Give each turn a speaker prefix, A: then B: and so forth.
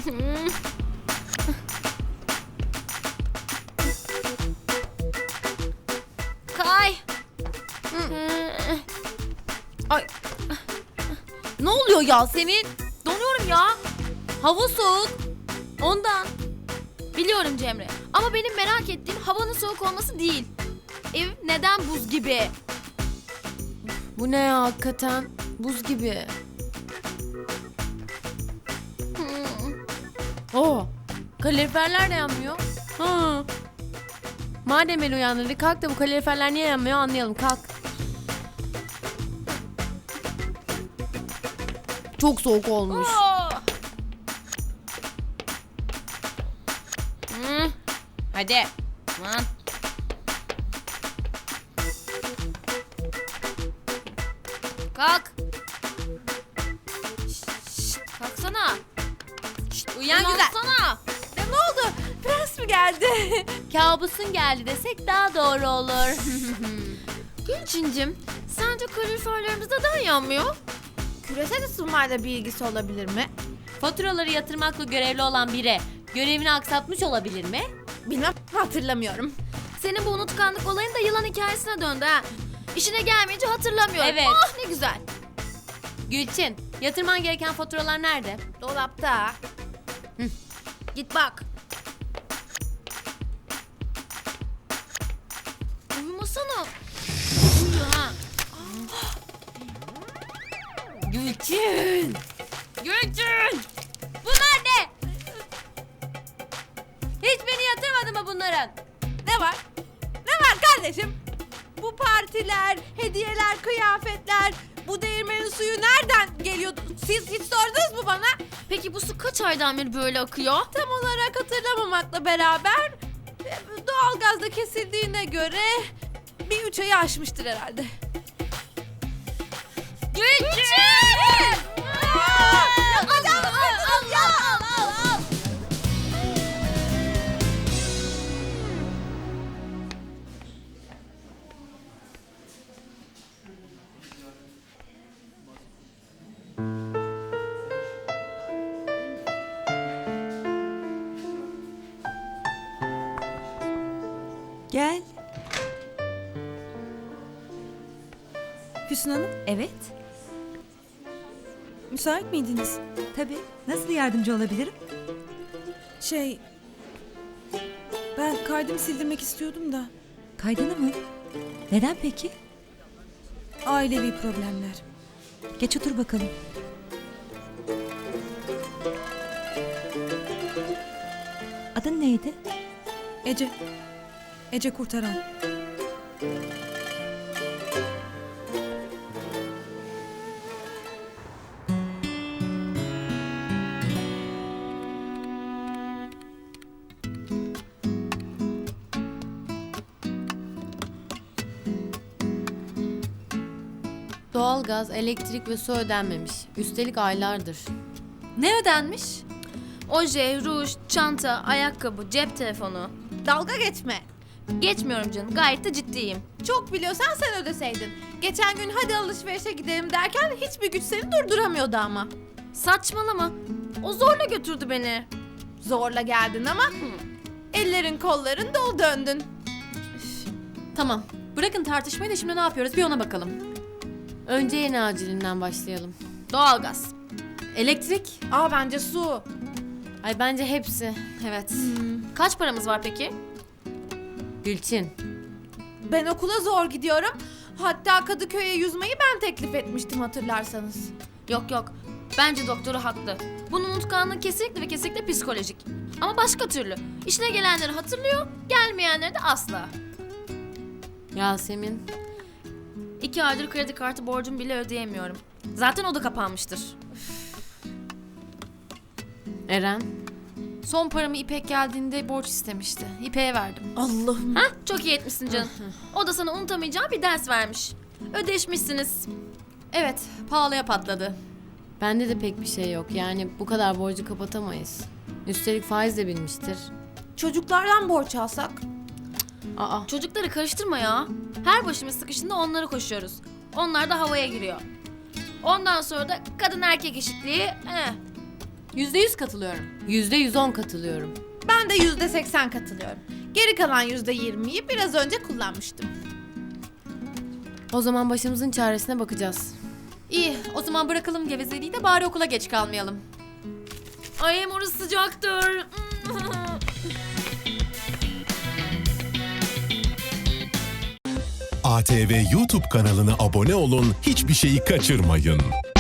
A: Kay.
B: Ay. Ne oluyor Yasemin?
A: Donuyorum ya.
B: Hava soğuk. Ondan.
A: Biliyorum Cemre. Ama benim merak ettiğim havanın soğuk olması değil. Ev neden buz gibi?
B: Bu ne ya hakikaten? Buz gibi. Oo. Kaloriferler de yanmıyor. Ha. Madem el uyandırdı kalk da bu kaloriferler niye yanmıyor anlayalım kalk. Çok soğuk olmuş.
A: Hadi. Lan. Kalk. Kalksana.
B: Uyan güzel.
A: Uyansana.
B: Ne oldu? Prens mi geldi? Kabusun geldi desek daha doğru olur.
A: Gülçincim, sence kaloriferlerimiz neden yanmıyor?
C: Küresel ısınmayla bir ilgisi olabilir mi?
B: Faturaları yatırmakla görevli olan biri görevini aksatmış olabilir mi?
C: Bilmem, hatırlamıyorum.
A: Senin bu unutkanlık olayın da yılan hikayesine döndü ha. İşine gelmeyince hatırlamıyorum.
B: Evet.
A: Ah ne güzel.
B: Gülçin, yatırman gereken faturalar nerede?
C: Dolapta.
A: Git bak. Uyumasana. Uyuyor ha.
B: Gülçin!
A: Gülçin!
B: Bunlar ne? Hiç beni yatırmadı mı bunların?
C: Ne var? Ne var kardeşim? Bu partiler, hediyeler, kıyafetler, bu değirmenin suyu nereden geliyordu? Siz hiç sordunuz mu bana?
A: Peki bu su kaç aydan beri böyle akıyor?
C: Tam olarak hatırlamamakla beraber doğalgazda kesildiğine göre bir 3 ayı aşmıştır herhalde.
A: Gülçin!
D: Gel. Füsun Hanım.
E: Evet,
D: Müsait miydiniz?
E: tabii. Nasıl yardımcı olabilirim?
D: Ben kaydımı sildirmek istiyordum da.
E: Kaydını mı? Neden peki?
D: Ailevi problemler.
E: Geç otur bakalım. Adın neydi?
D: Ece. Ece Kurtaran.
B: Doğalgaz, elektrik ve su ödenmemiş. Üstelik aylardır.
A: Ne ödenmiş? Oje, ruj, çanta, ayakkabı, cep telefonu.
C: Dalga geçme.
A: Geçmiyorum canım, gayet de ciddiyim.
C: Çok biliyorsan sen ödeseydin. Geçen gün hadi alışverişe gidelim derken hiçbir güç seni durduramıyordu ama.
A: Saçmalama. O zorla götürdü beni.
C: Zorla geldin ama ellerin kolların dolu döndün.
B: Tamam. Bırakın tartışmayı da şimdi ne yapıyoruz bir ona bakalım. Önce en acilinden başlayalım.
A: Doğalgaz.
B: Elektrik.
C: Bence su.
B: Ay bence hepsi. Evet.
A: Kaç paramız var peki?
B: Gülçin.
C: Ben okula zor gidiyorum. Hatta Kadıköy'e yüzmeyi ben teklif etmiştim hatırlarsanız.
A: Yok yok. Bence doktoru haklı. Bunun unutkanlığı kesinlikle ve kesinlikle psikolojik. Ama başka türlü. İşine gelenleri hatırlıyor, gelmeyenleri de asla.
B: Yasemin.
A: 2 aydır kredi kartı borcumu bile ödeyemiyorum. Zaten o da kapanmıştır.
B: Eren.
F: Son paramı İpek geldiğinde borç istemişti. İpek'e verdim.
C: Allah'ım.
A: Hah, çok iyi etmişsin canım. O da sana unutamayacağı bir ders vermiş. Ödeşmişsiniz.
F: Evet, pahalıya patladı.
B: Bende de pek bir şey yok. Yani bu kadar borcu kapatamayız. Üstelik faiz de bilmiştir.
C: Çocuklardan borç alsak?
B: Aa.
A: Çocukları karıştırma ya. Her başımız sıkışında onlara koşuyoruz. Onlar da havaya giriyor. Ondan sonra da kadın erkek eşitliği.
B: %100 katılıyorum. %110 katılıyorum.
C: Ben de %80 katılıyorum. Geri kalan %20'yi biraz önce kullanmıştım.
B: O zaman başımızın çaresine bakacağız.
F: İyi, o zaman bırakalım gevezeliği de bari okula geç kalmayalım.
A: Ay hem orası sıcaktır.
G: ATV YouTube kanalına abone olun, hiçbir şeyi kaçırmayın.